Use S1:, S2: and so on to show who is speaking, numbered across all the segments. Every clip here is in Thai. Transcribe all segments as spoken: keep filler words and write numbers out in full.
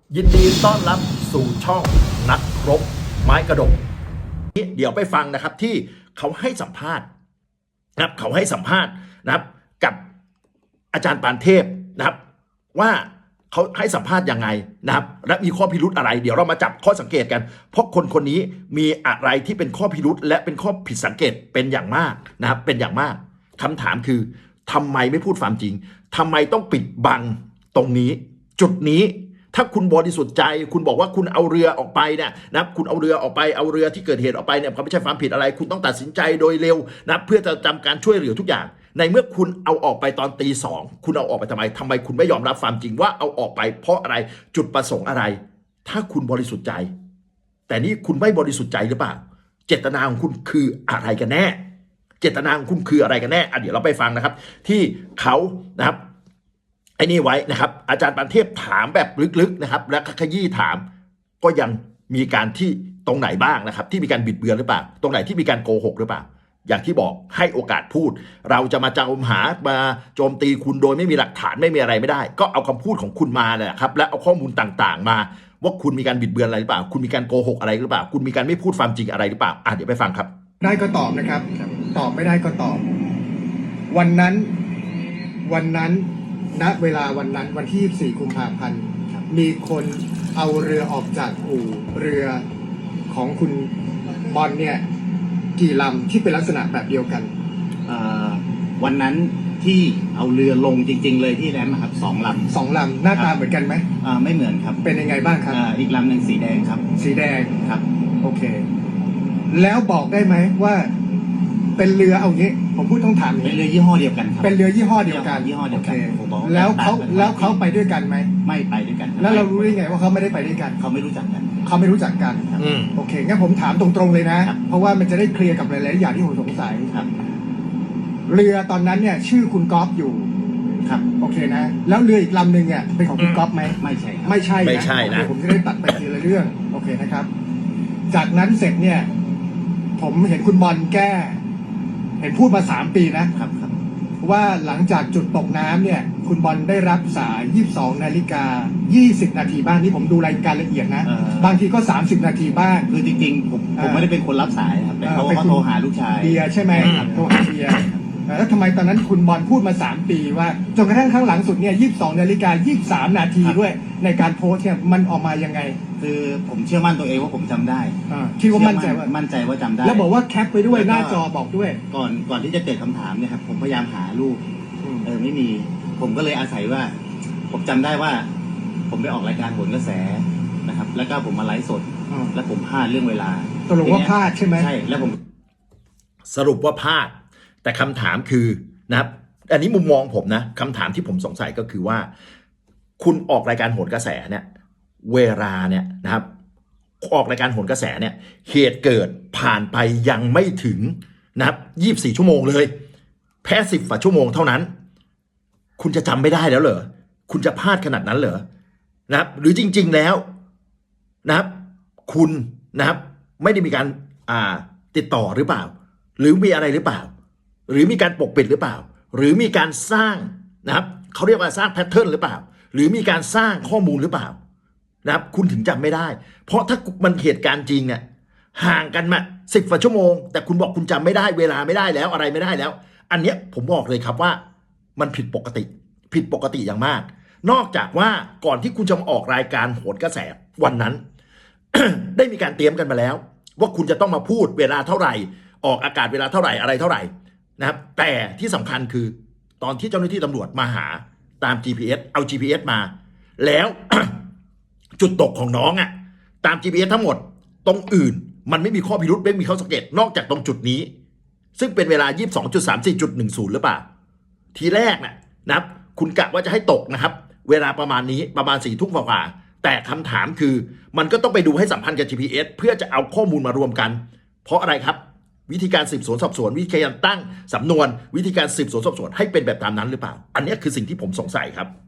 S1: ยินดีต้อนรับสู่ช่องนักรบไม้กระดกเดี๋ยวไปฟังนะครับที่เขาให้สัมภาษณ์นะครับเขาให้สัมภาษณ์นะครับกับอาจารย์ปานเทพนะครับว่าเขาให้สัมภาษณ์ยังไงนะครับและมีข้อพิรุธอะไรเดี๋ยวเรามาจับข้อสังเกตกันเพราะคนคนนี้มีอะไรที่เป็นข้อพิรุธและเป็นข้อผิดสังเกตเป็นอย่างมากนะครับเป็นอย่างมากคำถามคือทำไมไม่พูดความจริงทำไมต้องปิดบังตรงนี้จุดนี้ถ้าคุณบริสุทธิ์ใจคุณบอกว่าคุณเอาเรือออกไปเนี่ยนะคุณเอาเรือออกไปเอาเรือที่เกิดเหตุออกไปเนี่ยเขาไม่ใช่ความผิดอะไรคุณต้องตัดสินใจโดยเร็วนะเพื่อจะทำการช่วยเหลือทุกอย่างในเมื่อคุณเอาออกไปตอนตีสองคุณเอาออกไปทำไมทำไมคุณไม่ยอมรับความจริงว่าเอาออกไปเพราะอะไรจุดประสงค์อะไรถ้าคุณบริสุทธิ์ใจแต่นี่คุณไม่บริสุทธิ์ใจหรือเปล่าเจตนาของคุณคืออะไรกันแน่เจตนาของคุณคืออะไรกันแน่อ่ะเดี๋ยวเราไปฟังนะครับที่เขานะครับไอ้นี่ไว้นะครับอาจารย์ปานเทพถามแบบลึกๆนะครับและขยี้ถามก็ยังมีการที่ตรงไหนบ้างนะครับที่มีการบิดเบือนหรือเปล่าตรงไหนที่มีการโกหกหรือเปล่าอย่างที่บอกให้โอกาสพูดเราจะมาจมหามาโจมตีคุณโดยไม่มีหลักฐานไม่มีอะไรไม่ได้ก็เอาคำพูดของคุณมาเลยครับและเอาข้อมูลต่างๆมาว่าคุณมีการบิดเบือนอะไรหรือเปล่าคุณมีการโกหกอะไรหรือเปล่าคุณมีการไม่พูดความจริงอะไรหรือเปล่าอ่ะเดี๋ยวไปฟังครับ
S2: ได้ก็ตอบนะครับตอบไม่ได้ก็ตอบวันนั้นวันนั้นณเวลาวันนั้นวันที่ยี่สิบสี่กุมภาพันธ์มีคนเอาเรือออกจากอู่เรือของคุณบอลเนี่ยกี่ลำที่เป็นลักษณะแบบเดียวกัน
S3: วันนั้นที่เอาเรือลงจริงๆเลยที่แรมครับสองลำ
S2: สองลำหน้าตาเหมือนกันไหม
S3: อ่าไม่เหมือนครับ
S2: เป็นยังไงบ้างครับ
S3: อีกลำหนึ่งสีแดงครับ
S2: สีแดง
S3: ครับ
S2: โอเคแล้วบอกได้ไหมว่าเป็นเรือเอางี้ผมพูดต้องถาม
S3: เป็นเรือยี่ห้อเดียวกันครับ
S2: เป็นเรือยี่ห้อเดียวกัน
S3: ยี่ห้อเดียวกัน
S2: แล้วเขาแล้วเขาไปด้วยกันไหม
S3: ไม่ไปด้วยกัน
S2: แล้วเรารู้ได้ไงว่าเขาไม่ได้ไปด้วยกัน
S3: เขาไม่รู้จักกัน
S2: เขาไม่รู้จักกันโอเคงั้นผมถามตรงๆเลยนะเพราะว่ามันจะได้เคลียร์กับหลายๆอย่างที่ผมสงสัยเรือตอนนั้นเนี่ยชื่อคุณก๊อฟอยู่
S3: ครับ
S2: โอเคนะแล้วเรืออีกลำหนึ่งเนี่ยเป็นของคุณก๊อฟไหม
S3: ไม่ใช่
S2: ไม่ใช่
S1: ไม่ใช่นะ
S2: ผมจะได้ตัดไปทีละเรื่องโอเคนะครับจากนั้นเสร็จเนี่ยผมเห็นคุณบอลแก้เห็นพูดมาสามปีนะครับ
S3: ครับ
S2: ว่าหลังจากจุดตกน้ำเนี่ยคุณบอลได้รับสายยี่สิบสองนาฬิกายี่สิบนาทีบ้างนี่ผมดูรายการละเอียดนะบางทีก็สามสิบนาทีบ้าง
S3: คือจริงๆผมผมไม่ได้เป็นคนรับสายครับแต่เขาเขาโทรหาลูกชาย
S2: เบียร์ใช่ไหมโทรหาเบียร์แล้วทำไมตอนนั้นคุณบอลพูดมาสามปีว่าจนกระทั่งครั้งหลังสุดเนี่ยยี่สิบสองนาฬิกายี่สิบสามนาทีด้วยในการโพสต์เนี่ยมันออกมายังไง
S3: คือผมเชื่อมั่นตัวเองว่าผมจำได้
S2: คิดว่ามั่นใจว่า
S3: มั่นใจว่าจำได้
S2: แล้วบอกว่าแคปไปด้วยหน้าจอบอกด้วย
S3: ก่อนก่อนที่จะเกิดคำถามเนี่ยครับผมพยายามหารูปเออไม่มีผมก็เลยอาศัยว่าผมจำได้ว่าผมไปออกรายการโหนกระแสนะครับแล้วก็ผมมาไลฟ์สดแล้วผมพลาดเรื่องเวลา
S2: สรุปว่าพลาดใช่ไหม
S3: ใช่แล้วผม
S1: สรุปว่าพลาดแต่คำถามคือนะครับอันนี้มุมมองผมนะคำถามที่ผมสงสัยก็คือว่าคุณออกรายการโหนกระแสเนี่ยเวลาเนี่ยนะครับออกรายการโหนกระแสเนี่ยเหตุเกิดผ่านไปยังไม่ถึงนะครับยี่สิบสี่ชั่วโมงเลยแค่สิบกว่าชั่วโมงเท่านั้นคุณจะจำไม่ได้แล้วเหรอคุณจะพลาดขนาดนั้นเหรอนะครับหรือจริงๆแล้วนะครับคุณนะครับไม่ได้มีการอ่าติดต่อหรือเปล่าหรือมีอะไรหรือเปล่าหรือมีการปกปิดหรือเปล่าหรือมีการสร้างนะครับเขาเรียกว่าสร้างแพทเทิร์นหรือเปล่าหรือมีการสร้างข้อมูลหรือเปล่านะครับคุณถึงจำไม่ได้เพราะถ้ามันเหตุการณ์จริงเนี่ยห่างกันมาสิบกว่าชั่วโมงแต่คุณบอกคุณจำไม่ได้เวลาไม่ได้แล้วอะไรไม่ได้แล้วอันเนี้ยผมบอกเลยครับว่ามันผิดปกติผิดปกติอย่างมากนอกจากว่าก่อนที่คุณจะมาออกรายการโหนกระแสวันนั้น ได้มีการเตรียมกันมาแล้วว่าคุณจะต้องมาพูดเวลาเท่าไหร่ออกอากาศเวลาเท่าไหร่อะไรเท่าไหร่นะครับแต่ที่สำคัญคือตอนที่เจ้าหน้าที่ตำรวจมาหาตาม จี พี เอส เอา จี พี เอส มาแล้ว จุดตกของน้องอะตาม จี พี เอส ทั้งหมดตรงอื่นมันไม่มีข้อพิรุธไม่มีข้อสังเกตนอกจากตรงจุดนี้ซึ่งเป็นเวลา ยี่สิบสองจุดสามสี่จุดหนึ่งศูนย์ หรือเปล่าทีแรกนะนะครับคุณกะว่าจะให้ตกนะครับเวลาประมาณนี้ประมาณสี่ทุ่มกว่าแต่คำถามคือมันก็ต้องไปดูให้สัมพันธ์กับ จี พี เอส เพื่อจะเอาข้อมูลมารวมกันเพราะอะไรครับวิธีการสืบสวนสอบสวนวิธีการตั้งสำนวนวิธีการสืบสวนสอบสวนให้เป็นแบบตามนั้นหรือเปล่าอันนี้คือสิ่งที่ผมสงสัยครับ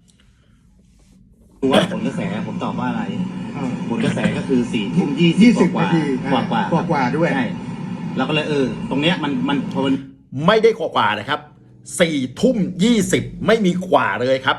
S3: ดูว่าผลกระแสผมตอบว่าอะไรผลกระแสก็คือสี่ทุ่มยี่สิบกว่ากว่ากว่
S2: ากว่าด้วย
S3: ใช่เราก็เลยเออตรงเนี้ยมันมันพอมัน
S1: ไม่ได้กว่ากว่านะครับสี่ทุ่มยี่สิบไม่มีกว่าเลยครับ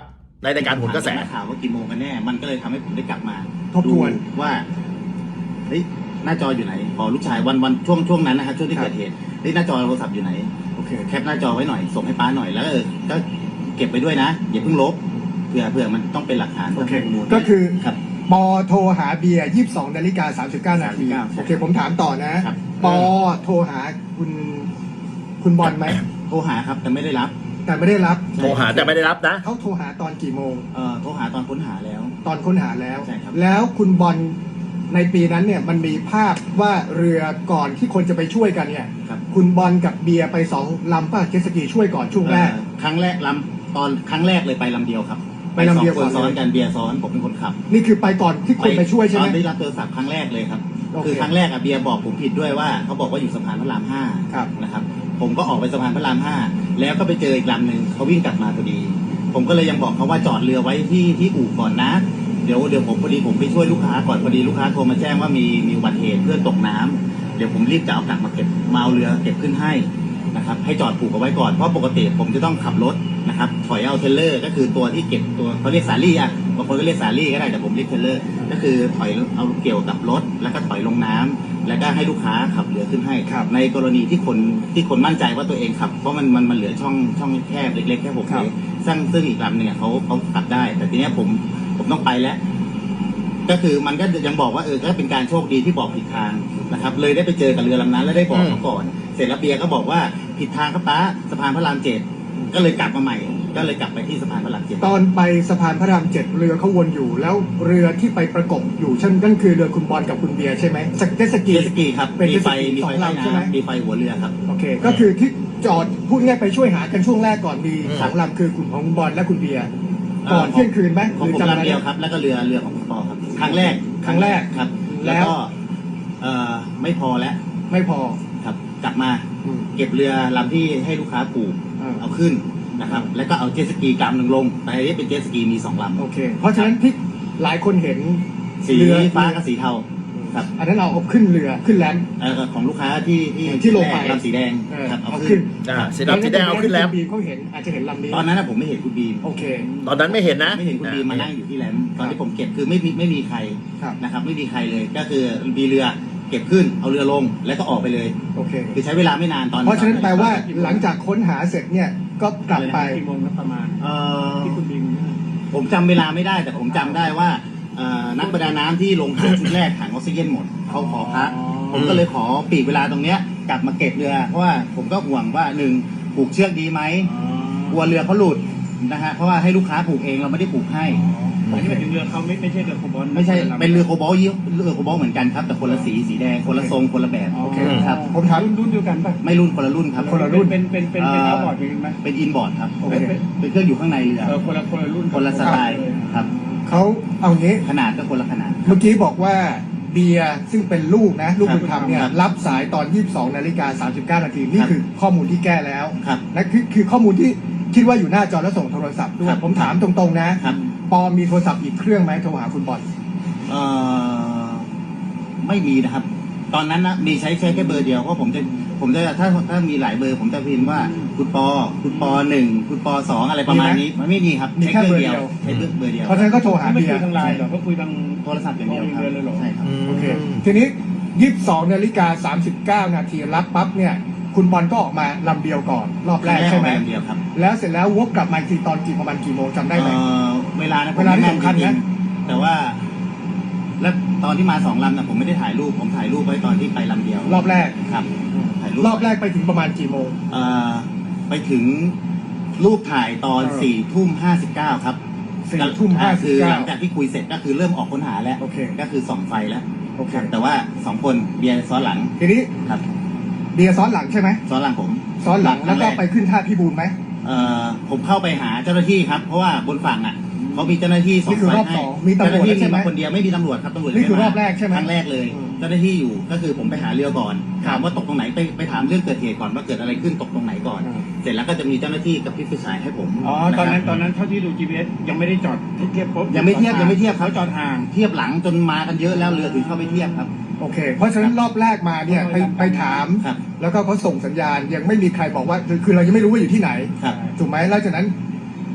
S1: ในรายการโหนกระแส
S3: ถามนักข่าวว่ากี่โมงกันแน่มันก็เลยทำให้ผมได้กลับมา
S2: ทบทวน
S3: ดูว่าเฮ้ยหน้าจออยู่ไหนพอลูกชายวันวันช่วงช่วงนั้นนะครับช่วงที่เกิดเหตุเฮ้ยหน้าจอโทรศัพท์อยู่ไหน
S2: โอเค
S3: แคปหน้าจอไว้หน่อยส่งให้ป้าหน่อยแล้วเออก็เก็บไปด้วยนะอย่าเพิ่งลบเผื่อเผื่อมันต้องเป็นหลักฐาน
S2: โอเค
S3: ข้มูล
S2: ก็คือ
S3: ครับ
S2: ปอโทรหาเบียร์ยี่สิบสองนาฬิกาสามสิบเก้านาที
S3: สามสิบเก้า
S2: โอเคผมถามต่อนะครับ ปอโทรหาคุณคุณบอลไหม
S3: โทรหาครับแต่ไม่ได้รับ
S2: แต่ไม่ได้รับ
S1: โทรหาแต่ไม่ได้รับนะ
S2: เขาโทรหาตอนกี่โมง
S3: เอ่อโทรหาตอนค้นหาแล้ว
S2: ตอนค้นหาแล้ว
S3: ใช่ครับ
S2: แล้วคุณบอลในปีนั้นเนี่ยมันมีภาพว่าเรือก่อนที่คนจะไปช่วยกันเนี่ย
S3: ครับ
S2: คุณบอลกับเบียร์ไปสองลำป้าเจตสกีช่วยก่อนช่วงแรก
S3: เอ่อครั้งแรกลำตอนครั้งแรกเลยไปลำเดียวครับ
S2: ไปลำเดียว
S3: สองคน
S2: ก่อนเลย
S3: ซ้อนกันเบียร์ซ้อนผมเป็นคนขับ
S2: นี่คือไปก่อนที่คนไปช่วยใช่ไหม
S3: ตอนได้รับโทรศัพท์ครั้งแรกเลยครับ
S2: โอเค
S3: คือครั้งแรกอะเบียร์บอกผมผิดด้วยว่าเขาบอกว่าอยู่สะพานพระรามห้า
S2: ครับ
S3: นะครับ ผมก็ออกไปสะพานพระรามห้าแล้วก็ไปเจออีกลำหนึ่งเขาวิ่งกลับมาพอดี ผมก็เลยยังบอกเขาว่าจอดเรือไว้ที่ที่อู่ก่อนนะ เดี๋ยวเดี๋ยวผมพอดีผมไปช่วยลูกค้าก่อนพอดีลูกค้าโทรมาแจ้งว่ามีมีอุบัติเหตุเพื่อนตกน้ำเดี๋ยวผมรีบจะเอากลับมาเก็บมาเอาเรือเก็บขึ้นให้นะครับให้จอดผูกเอาไว้ก่อนเพราะปกติผมจะต้องขับรถนะครับถอยเอาเทรลเลอร์ก็คือตัวที่เก็บตัวเขาเรียกสาลี่อ่ะบางคนก็เรียกสาลี่ก็ได้แต่ผมเรียกเทรลเลอร์ก็คือถอยเอาเกี่ยวกับรถแล้วก็ถอยลงน้ำแล้วก็ให้ลูกค้าขับเรือขึ้นให้
S2: ครับ
S3: ในกรณีที่คนที่คนมั่นใจว่าตัวเองขับเพราะมันมันมันเหลือช่องช่องแคบเล็กๆแค่หก
S2: ครั
S3: เม
S2: บ
S3: ตรซึ่งซึ่งอีกลำเนี่ยเขาเขาขับได้ แต่ทีเนี้ยผมผมต้องไปแล้ว ก็คือมันก็ยังบอกว่าเออก็เป็นการโชคดีที่บอกผิดทางนะครับ เลยได้ไปเจอกับเรือลำนั้นแล้วได้บอกเขาก่อน เสร็จแล้วเบียร์ก็บอกว่าผิดทางครับป้าสะพานพระรามเจ็ดก็เลยกลับมาใหม่ ก็เลยกลับไปที่สะพานพระรามเจ็ด
S2: ตอนไปสะพานพระรามเจ็ดเรือเขาวนอยู่ แล้วเรือที่ไปประกบอยู่เช่นนั่นคือเรือคุณบอลกับคุณเบียร์ใช่ไหมสเก็ตสกี
S3: เจตสกีครับ
S2: เป็น
S3: มีไฟ
S2: เจ็ตสกี
S3: มีไฟ
S2: สอง
S3: ใต้
S2: ลำใช่ไหม
S3: น้ำมีไฟหัวเรือครับ
S2: โอเค ก็คือที่จอดพูดง่ายไปช่วยหากันช่วงแรกก่อนมี
S1: อืม
S2: สองลำคือคุณของคุณบอลและคุณเบียร์
S3: เอ่อ
S2: ก่อนเที่ยงคืนไหม
S3: ของผม
S2: หรืจำได้
S3: ลำเดียวครับ แล้วก็เรือเรือของคุณปอครับ ครั้งแรก
S2: ครั้งแรก
S3: ครับ
S2: แล้
S3: แล้ว วก็เอ่อไม่พอแล้ว
S2: ไม่พอ
S3: ครับ กลับมา
S2: อืม
S3: เก็บเรือลำที่ให้ลูกค้าปลูก
S2: อ่า
S3: เอาขึ้นนะครับ แล้วก็เอาเจ็ตสกีกลำหนึ่งลงแต่อันนี้เป็นเจ็ตสกีมีสองลำ
S2: โอเค เพราะฉะนั้นที่หลายคนเห็น
S3: สี
S2: เรือ
S3: ฟ้ากับสีเทาครับ
S2: อันนั้นเราเอาขึ้นเรือขึ้นแลนด์
S3: เอ่อของลูกค้าที่ที่
S2: ที่ลงไป
S3: ลำสีแดง
S2: เออ
S3: ครับเอา
S2: เอา
S3: ขึ้
S2: ขึ้
S3: น
S2: น
S1: อ่าสีดำสีแดงเอาขึ้นแล้ว
S2: บีเขาเห็นอาจจะเห็นลำนี้
S3: ตอนนั้นนะผมไม่เห็นคุณบีม
S2: โอเค
S1: ตอนนั้นไม่เห็นนะ
S3: ไม่เห็นคุณบีมมานั่งอยู่ที่แลมตอน
S2: ครั
S3: ที่
S2: บ
S3: ผมเก็บคือไม่มีไม่มีใคร
S2: ครับ
S3: นะครับ ไม่มีใครเลย ก็คือมีเรือเก็บขึ้นเอาเรือลงแล้วก็ออกไปเลย
S2: โอเค
S3: คือใช้เวลาไม่นานตอน
S2: เพราะฉะนั้นแปลว่าหลังจากค้นหาเสร็จเนี่ยก็กลับไป
S4: กี่โมงครับประมาณ
S3: เอ่อ
S4: ที่คุณบิน
S3: ผมจำเวลาไม่ได้แต่ผมจำได้ว่าเอ่อนักประดาน้ำที่ลงถังชุดแรกถังออกซิเจนหมดเขาขอพัก ผมก็เลยขอปีกเวลาตรงเนี้ยกลับมาเก็บเรือ เพราะว่าผมก็ห่วงว่าหนึ่งผูกเชือกดีไหมกลัวเรือเขาหลุดนะฮะเพราะว่าให้ลูกค้าผูกเองเราไม่ได้ผูกให้
S4: อันนี้หมายถึงเรือเขาไม่ไม่ใช่เรือโคบอล
S3: ไม่ใช่เป็นเรือโคบอลยี่เรือโคบอลเหมือนกันครับแต่คนละสีสีแดงคนละทรงคนละแบบ
S4: โอเค
S3: ครับ
S2: ผมถาม
S4: รุ่นรุ่นเดียวกันป่ะ
S3: ไม่รุ่นคนละรุ่นครับ
S2: คนละรุ่น
S4: เป็นเป็นเป็นเป็น
S3: เอ่อ
S4: เอาบอร์ดเป็นไหม
S3: เป็นอินบอร์ดครับ
S2: โอเค
S3: เป็นเป็นเครื่องอยู่ข้างในเรือ
S4: เออคนละคนละรุ่น
S3: คนละสไตล์ครับ
S2: เขาเอางี้
S3: ขนาดก็คนละขนาด
S2: เมื่อกี้บอกว่าเบียร์ซึ่งเป็นลูกนะ ลูกบุญธรรมเนี่ย
S3: ครับ
S2: รับสายตอน ยี่สิบสองนาฬิกาสามสิบเก้านาทีนี่
S3: ครับ
S2: คือข้อมูลที่แก้แล้ว
S3: ครับ
S2: และคือคือข้อมูลที่คิดว่าอยู่หน้าจอแล้วส่งโทรศัพท์ด้ว
S3: ครั
S2: ย
S3: บ
S2: ผมถามตรงๆนะ
S3: ครับ
S2: ปอมีโทรศัพท์อีกเครื่องไหมโทรหาคุณบอล
S3: เอ่อไม่มีนะครับ ตอนนั้นนะมีใช้แค่แค่เบอร์เดียวเพราะผมจะผมจะถ้าถ้ามีหลายเบอร์ ผมจะพิมพ์ว่าคุณปอคุณปอหนึ่งคุณปอสองอะไรประมาณนี้มันไม่มีครับ
S2: มี
S3: ใช้
S2: แค่
S3: เครื่อง
S2: เบอร์เดียว
S3: ใช้เบอร์เบอร์เดียว
S2: เพราะฉะนั้นก็โทรหา
S4: ไม่
S2: เบีย
S4: คุย
S2: ร์
S4: ทางไลน์เหรอก็คุยทาง
S3: โทรศัพท์อย่างเดียวครับ
S4: โทรอย่างเดียวเลยเหรอ
S3: ใช่ครับ
S2: โอเคทีนี้ ยี่สิบสองนาฬิกาสามสิบเก้านาทีรับปั๊บเนี่ยคุณบอลก็ออกมาลำเดียวก่อน รอบแรกใช่ไหม
S3: ครั้งแรกออกมาลำเดียวครับ
S2: แล้วเสร็จแล้ววกกลับมาอีกทีตอนกี่ประมาณกี่โมงจำได้ไหม
S3: เอ่อเวลานะผม
S2: เวลาที่
S3: ไม่แม่
S2: สำคัญนะ
S3: จริงๆแต่ว่า แล้วตอนที่มาสองลำนะผมไม่ได้ถ่ายรูปผมถ่ายรูปไว้ตอนที่ไปลำเดียว
S2: รอบแรก
S3: ครับถ่ายรูป
S2: รอบแรกไปถึงประมาณกี่โมง
S3: เอ่อไปถึงรูปถ่ายตอน
S2: เออ
S3: สี่ทุ่มห้าสิบเก้าครับ
S2: สี่ทุ่มห้าสิบ
S3: คือ
S2: เก้า
S3: หลังจากที่คุยเสร็จก็คือเริ่มออกค้นหาแล้ว
S2: โอเค
S3: ก็คือส่องไฟแล้ว
S2: โอเค
S3: ครับแต่ว่าสองคนเบียร์ซ้อนหลัง
S2: ทีนี้
S3: ครับ
S2: เบียร์ซ้อนหลังใช่ไหม
S3: ซ้อนหลังผม
S2: ซ้อนหลังแล้วก็
S3: ครั้งร
S2: ไปขึ้นท่าพิบูลไหม
S3: เอ่อผมเข้าไปหาเจ้าหน้าที่ครับ เพราะว่าบนฝั่งอ่ะเขามีเจ้าหน้าที่ส่
S2: นี่
S3: ง
S2: คือ
S3: ไฟ
S2: รอบ
S3: ให้
S2: สองมีตำรวจ
S3: เจ้าหน้าที่
S2: ใช่
S3: มี
S2: ไหม
S3: มาคนเดียวไม่มีตำรวจครับตำรวจ
S2: นี่คือ
S3: ไม่
S2: ร
S3: มา
S2: อบแรกใช่ไหม
S3: ครั้งแรกเลย
S2: อืม
S3: เจ้าหน้าที่อยู่ก็คือผมไปหาเรือก่อน ถามว่าตกตรงไหนไปไปถามเรื่องเกิดเหตุก่อนว่าเกิดอะไรขึ้นตกตรงไหนก่อน
S2: อืม
S3: เสร็จแล้วก็จะมีเจ้าหน้าที่กับพี่ผู้ชายให้ผม
S4: อ๋อตอนนั้
S3: ะครับ
S4: นตอนนั้นเท่าที่ดู จี พี เอส ยังไม่ได้จอดเทียบปุ๊บ
S3: ยังไม่เทียบยังไม่เทียบครับ
S4: เขาจอดห่าง
S3: เทียบหลังจนมากันเยอะแล้วเรือถึงเข้าไปเทียบครับ
S2: โอเค เพราะฉะนั้นรอบแรกมาเนี่ยไปไปถาม
S3: ครับ
S2: แล้วก็เขาส่งสัญญาณยังไม่มีใครบอกว่าคือคือเรายังไม่รู้ว่าอยู่ที่ไหน
S3: ครับ
S2: ถูกไหมแล้วจากนั้น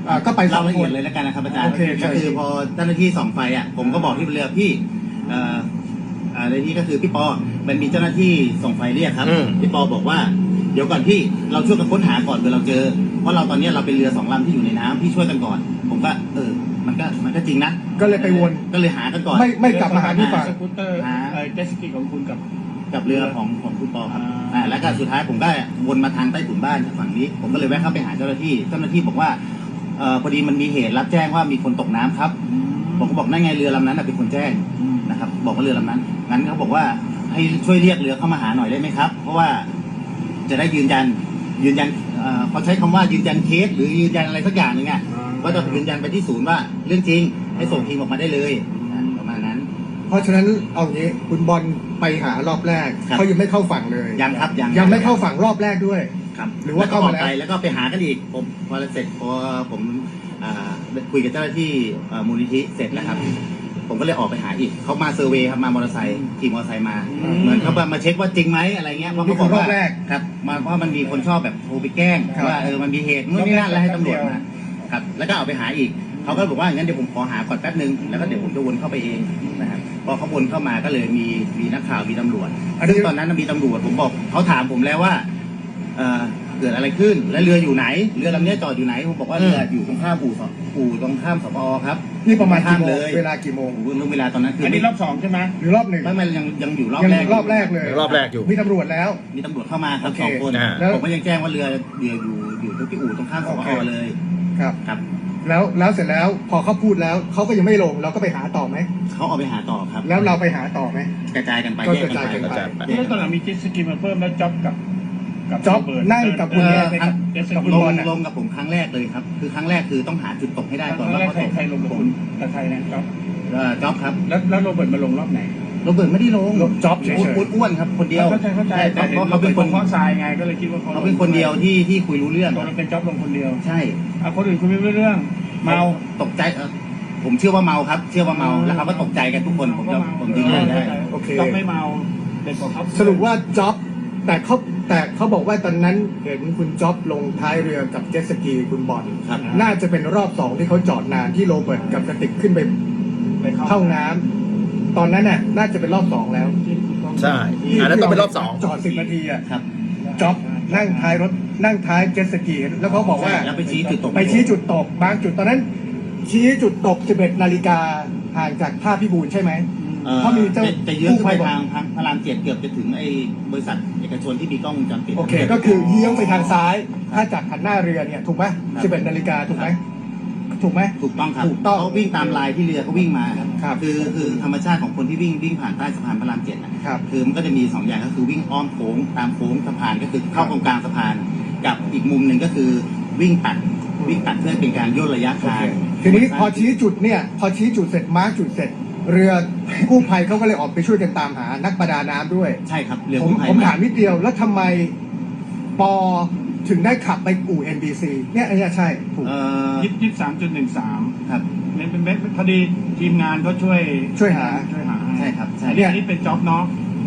S2: อ่าก็ไปสอ
S3: เล่าง ละ
S2: ค
S3: เอีย
S2: น
S3: ดเลยแล้วกันนะครับอาจารย์
S2: โอเค
S3: ก็คือ
S2: ใช่
S3: พอเจ้าหน้าที่ส่องไฟอ่ะผมก็บอกที่เรือพี่เอ่ออ่าในที่ก็คือพี่ปอมันมีเจ้าหน้าที่ส่องไฟเรียกครับ
S1: อืม
S3: พี่ปอบอกว่าเดี๋ยวก่อนพี่เราช่วยกันค้นหาก่อนเผื่อเราเจอเพราะเราตอนนี้เราเป็นเรือสองลำที่อยู่ในน้ำพี่ช่วยกันก่อน ผมก็เออมันก็มันก็จริงนะ
S2: ก็เลยไปวน
S3: ก็เลยหากันก่อน
S2: ไม่ไม่กลับมาหาที่ฝั่ง
S4: สกูตเตอร์
S3: หา
S4: เอ่อเจตสกีของคุณกับ
S3: กับเรือของของคุณปอครับ
S4: อ่า
S3: อ่าแล้วก็สุดท้ายผมก็วนมาทางใต้ถุนบ้านจากฝั่งนี้ ผมก็เลยแวะเข้าไปหาเจ้าหน้าที่เจ้าหน้าที่บอกว่าเอ่อพอดีมันมีเหตุรับแจ้งว่ามีคนตกน้ำครับผมก็บอกนั่นไงเรือลำนั้นนะเป็นคนแจ้งนะครับบอกว่าเรือลำนั้นงั้นเขาบอกว่าให้ช่วยเรียกเรือเข้ามาหาหน่อยได้ไหมครับ เพราะว่าจะได้ยืนยันยืนยันเอ่อเขาใช้คำว่ายืนยันเคสหรือยืนยันอะไรสักอย่างหนึ่งอ่ะก็จะยืนยันไปที่ศูนย์ว่าเรื่องจริงให้ส่งทีมออกมาได้เลยอ่าประมาณนั้น
S2: เพราะฉะนั้นเอางี้คุณบอลไปหารอบแรก
S3: ครับ
S2: เขายังไม่เข้าฝั่งเลย
S3: ยังครับยัง
S2: ยังไม่เข้าฝั่งรอบแรกด้วย
S3: ครับ
S2: หรือว่าเข้ามาแล้ว
S3: แล้ก็ออกไปแล้วก็ไปหากันอีกผมพอเสร็จพอผมอ่าคุยกับเจ้าหน้าที่เอ่อมูลนิธิเสร็จแล้วครับ ผมก็เลยออกไปหาอีกเขามาเซอร์เวย์ครับมามอเตอร์ไซค์ขี่มอเตอร์ไซค์มา
S4: อืม
S3: เหมือนเขามาเช็คว่าจริงไหมอะไรเงี้ยเพราะ
S2: นี่
S3: เขา
S2: คื
S3: บอก
S2: อรอบ
S3: ว่า
S2: แรก
S3: ครับมาเพราะมันมีคนชอบแบบโทรไปแกล้ง
S2: ครับ
S3: ว่าเออมันมีเหตุนู่นนี่นั่นแล้วให้ตำรวจมาครับแล้วก็เอาไปหาอีกเขาก็บอกว่างั้นเดี๋ยวผมขอหาก่อนแป๊บนึงแล้วก็เดี๋ยวผมจะวนเข้าไปเองนะครับพอเขาวนเข้ามาก็เลยมีมีนักข่าวมีตำรวจ
S2: อันนี้
S3: ซึ่งตอนนั้นมีตำรวจผมบอกเขาถามผมแล้วว่าเอ่อเกิดอะไรขึ้นและเรืออยู่ไหนเรือลำนี้จอดอยู่ไหนผมบอกว่าเรืออยู่ตรงข้ามอู่สอู่ตรงข้ามสปอครับ
S2: นี่ประมาณ
S3: ข้า
S2: กี่
S3: ม
S2: โม
S3: เล
S2: ง
S3: ย
S2: เวลากี่โมง
S3: โอ้โหเรื่องเวลาตอนนั้นคือ
S4: อันนี้รอบสองใช่ไหม
S2: หรือรอบหนึ่ง
S3: ไม่ไม่ยังยังอยู่รอบ
S2: ยัง
S3: แรก
S2: รอบแรกเลย
S1: รอบแรกอยู่
S2: มีตำรวจแล้ว
S3: มีตำรวจเข้ามาครับ
S2: โอเค
S3: สองคน
S1: อ่า
S2: แล้ว
S3: ผมก็ยังแจ้งว่าเรือเรืออยู่อยู่ที่อู่ตรงข้ามสป
S2: โอเค
S3: อเลย
S2: ครับ
S3: ครับ
S2: แล้วแล้วเสร็จแล้วพอเขาพูดแล้วเขาก็ยังไม่ลงเราก็ไปหาต่อไหม
S3: เขาเอาไปหาต่อครับ
S2: แล้วเราไปหาต่อไหม
S3: กระจายกันไป
S2: ก็
S3: แยก
S2: กระจายกัน
S3: กัน
S2: ไป
S3: ไป
S4: ที่ตอนหลังมีเจ็ตสกีมาเพิ่มแล้วจ็อบกับกั
S2: จ๊อบ
S4: โรเบิร์ต
S2: นั่งกับคุณ
S4: เอ
S2: เนี่ย
S4: อกับเจ็ตส
S2: กับ
S4: กี
S2: คุณ
S3: ล
S2: บ
S3: ง
S2: อลน่ะ
S3: ลงกับผมครั้งแรกเลยครับ คือครั้งแรกคือต้องหาจุดตกให้ได้
S4: ต
S3: ก่
S4: อ
S3: อน
S4: น
S3: ว่า
S4: แรก
S3: เขา
S4: ใคร
S3: ตก
S4: ใครลงกับคุณกับใครนะจ็อบ
S3: เอ่อจ๊อบครับ
S4: แล้วแล้วโรเบิร์ตมาลงรอบไหน
S3: โรเบิร์ตไม่ได้ลง
S2: ลงจ๊อบเฉยๆ
S3: อ้วนอ้วนๆครับคนเดียว
S4: เข้าใจเข้าใจแต่
S3: เพราะเขาเป็นคน
S4: เพราะทรายไงก็เลยคิดว่าเขา
S3: เขาเป็นคนเดียวที่ที่คุยรู้เรื่อง
S4: ตอนนั้นเป็นจ็อบลงคนเดียว
S3: ใช่
S4: อ่ะคนอื่นคุยไม่รู้เรื่อง เมา
S3: ตกใจเออผมเชื่อว่าเมาครับ เชื่อว่าเมาแล้วเขาก็ตกใจกันทุกคนผมจะผมยืนยันได้
S2: โอเค
S4: จ็อบไม่เมาเด็กกว่าเขา
S2: สรุปว่าจ็อบแต่เขาแต่เขาบอกว่าตอนนั้นเห็นคุณจ็อบลงท้ายเรือกับเจ็ตสกีคุณบอล
S3: ครับ
S2: น่าจะเป็นรอบสองที่เขาจอดนานที่โรเบิร์ตกับกระติกขึ้นไป
S4: ไปเข้า
S2: เข้าน้ำตอนนั้นน่ะน่าจะเป็นรอบสองแล้ว
S1: ใช่อันนั้นต้องเป็นรอบสอง
S2: จอดสิบนาทีอ่ะ
S3: ครับ
S2: จ็อบนั่งท้ายรถนั่งท้ายเจ็ตสกีแล้วเขาบอกว่า
S3: ใช่แล้วไปชี้จุดตก
S2: ไปชี้จุดตกบางจุดตอนนั้น ชี้จุดตกสิบเอ็ดนาฬิกาห่างจากท่าพิบูลใช่ไหม
S3: อ่อ
S2: เพราะมีเจ้า
S3: จะจะเยื้องขึ้นไป
S2: กู้ภัยบอก
S3: ทางทางพระรามเจ็ดเกือบจะถึงไอ้บริษัทเอกชนที่มีกล้องวงจรปิด
S2: โอเค ก็คือเยื้องไปทางซ้าย ถ้าจากหันหน้าเรือเนี่ยถูกไหม
S3: ครับ
S2: สิบเอ็ดนาฬิกาถูกไหมถูกไหม
S3: ถูกต้องครับ
S2: ถูกต้อง
S3: เขาวิ่งตามลายที่เรือเขาวิ่งมา
S2: ครับ
S3: คือคือธรรมชาติของคนที่วิ่งวิ่งผ่านใต้สะพานพระรามเจ็ดนะครับ คือมันก็จะมีสองอย่างก็คือวิ่งอ้อมโค้งตามโค้งสะพานก็คือเข้าตรงกลางสะพาน กับอีกมุมหนึ่งก็คือวิ่งตัดวิ่งตัดเพื่อเป็นการย่นระยะ
S2: โอ
S3: ทา
S2: เค
S3: ง
S2: ทีนี้พอชี้จุดเนี่ยพอชี้จุดเสร็จมาร์กจุดเสร็จ เรือกู้ภัยเขาก็เลยออกไปช่วยกันตามหานักประดาน้ำด้วย
S3: ใช่ครับเรือ
S2: ผม
S3: กู้ภัย
S2: ผมถามนิดเดียวแล้วทำไมปอถึงได้ขับไปอู่ เอ็น บี ซี เนี่ยอันเนี้ยใช่ถูก
S3: เอ่อ
S4: ยี่สิบสามจุดหนึ่งสาม
S3: ครับ
S4: เนี่ยเป็นเม็ดพอดีทีมงานก็ช่วย
S2: ช่วยหา
S4: ช่วยหา
S3: ใช่ครับใช่
S4: อันนี้อันนี้เป็นจ็อบเนาะ